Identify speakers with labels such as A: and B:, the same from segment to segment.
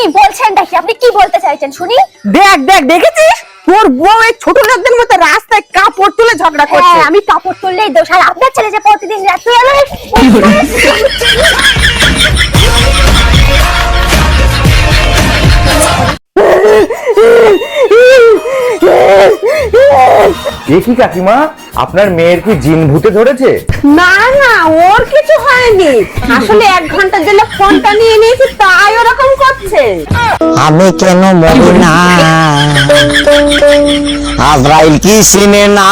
A: বলছেনটা কি? আপনি কি বলতে চাইছেন শুনি?
B: দেখ দেখ দেখেছিস তোর বউ এই ছোট লোকদের মতো রাস্তায় কাপড় তুলে ঝগড়া করছে।
A: হ্যাঁ, আমি কাপড় তুললেই দোষ, আর আপনার ছেলে যে প্রতিদিন রাতে
C: কি কাকিমা, আপনার মেয়ের কি জিন ভূতে ধরেছে?
B: না না, ওর কিছু হয়নি, আসলে 1 ঘন্টার জন্য ফোনটা নিয়ে নিয়েছি তাই ওরকম করছে।
D: আমি কেন মরি না, আজরাইল কি চিনে না।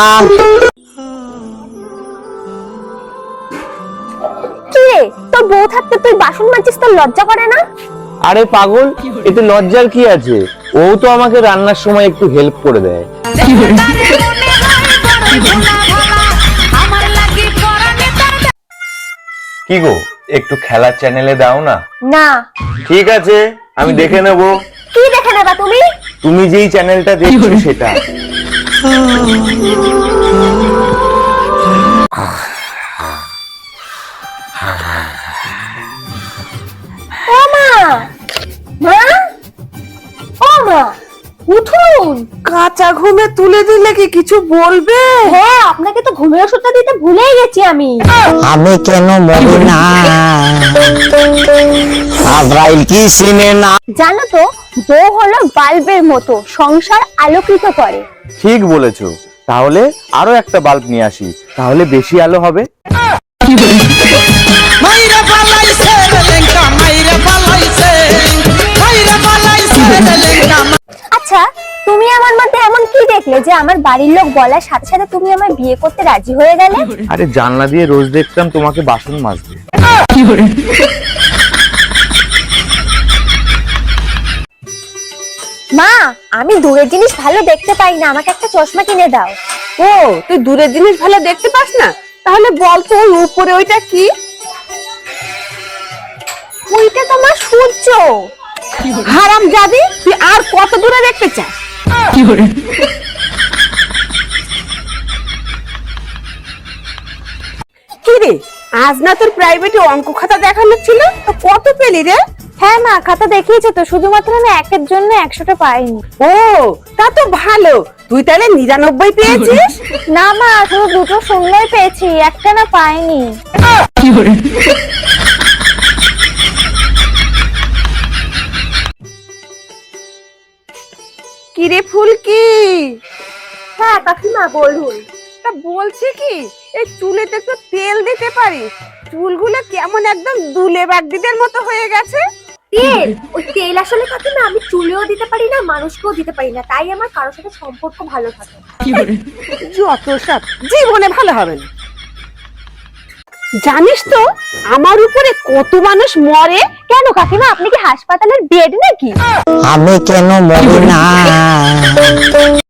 A: কি রে, তোর বউ থাকতে তুই বাসন মাজছিস, তোর লজ্জা করে না?
C: আরে পাগল, এতে লজ্জার কি আছে? ও তো আমাকে রান্নার সময় একটু হেল্প করে দেয়। কি গো, একটু খেলার চ্যানেলে দাও না।
A: না।
C: ঠিক আছে, আমি দেখে নেব।
A: কি দেখে নেবা তুমি?
C: তুমি যেই চ্যানেলটা দেখছো সেটা।
A: ও মা, মা, ও মা, উঠুন।
B: কাঁচা ঘুমে তুলে দিলে কি কিছু বলবে?
A: হ্যাঁ, আপনাকে তো ঘুমের ওষুধটা দিতে ভুলেই গেছি আমি।
D: আমি কেন মরি না, আজরাইল কি চিনে না।
A: জানো তো, বউ হলো বাল্বের মতো, সংসার আলোকিত করে।
C: ঠিক বলেছো, তাহলে আরো একটা বাল্ব নিয়ে আসি, তাহলে বেশি আলো হবে।
A: আচ্ছা, তুমি আমার মধ্যে এমন কি দেখলে যে আমার বাড়ির লোক বলার সাথে সাথে তুমি আমায় বিয়ে করতে রাজি হয়ে গেলে?
C: আরে জানলা দিয়ে রোজ দেখতাম তোমাকে বাসন মাজতে।
A: মা, আমি দূরের জিনিস ভালো দেখতে পাই না, আমাকে একটা চশমা কিনে দাও।
B: ও, তুই দূরের জিনিস ভালো দেখতে পাস না? তাহলে বল তো ওই উপরে ওইটা কি?
A: ওইটা তোমার সূর্য।
B: হারামজাদি, তুই আর কত দূরে দেখতে চাস? কি রে, আজ না তোর প্রাইভেটে অঙ্ক খাতা দেখানো ছিল, তো কত পেলি রে?
A: হ্যাঁ মা, খাতা দেখিয়েছে তো, শুধুমাত্র আমি একের জন্য 100টা পাইনি।
B: ও, তা তো ভালো, তুই তাহলে 99 পেয়েছিস।
A: না মা, শুধু 2টো শূন্যই পেয়েছি, একটা না পাইনি।
B: কি রে ফুলকি?
A: হ্যাঁ কাকিমা, বলুন।
B: তা বলছি কি, এই চুলেতে একটু তেল দিতে পারিস, চুলগুলো কেমন একদম দুলে বাগদিদের মতো হয়ে গেছে।
A: তেল? ওই তেল আসলে কাকিমা আমি চুলেও দিতে পারি না, মানুষকেও দিতে পারি না, তাই আমার কারোর সাথে সম্পর্ক ভালো থাকে না।
B: যত সব, জীবনে ভালো হবে না। জানিস তো আমার উপরে কত মানুষ মরে?
A: কেন কাকিমা, আপনি কি হাসপাতালের বেড নাকি?
D: আমি কেন মরি না।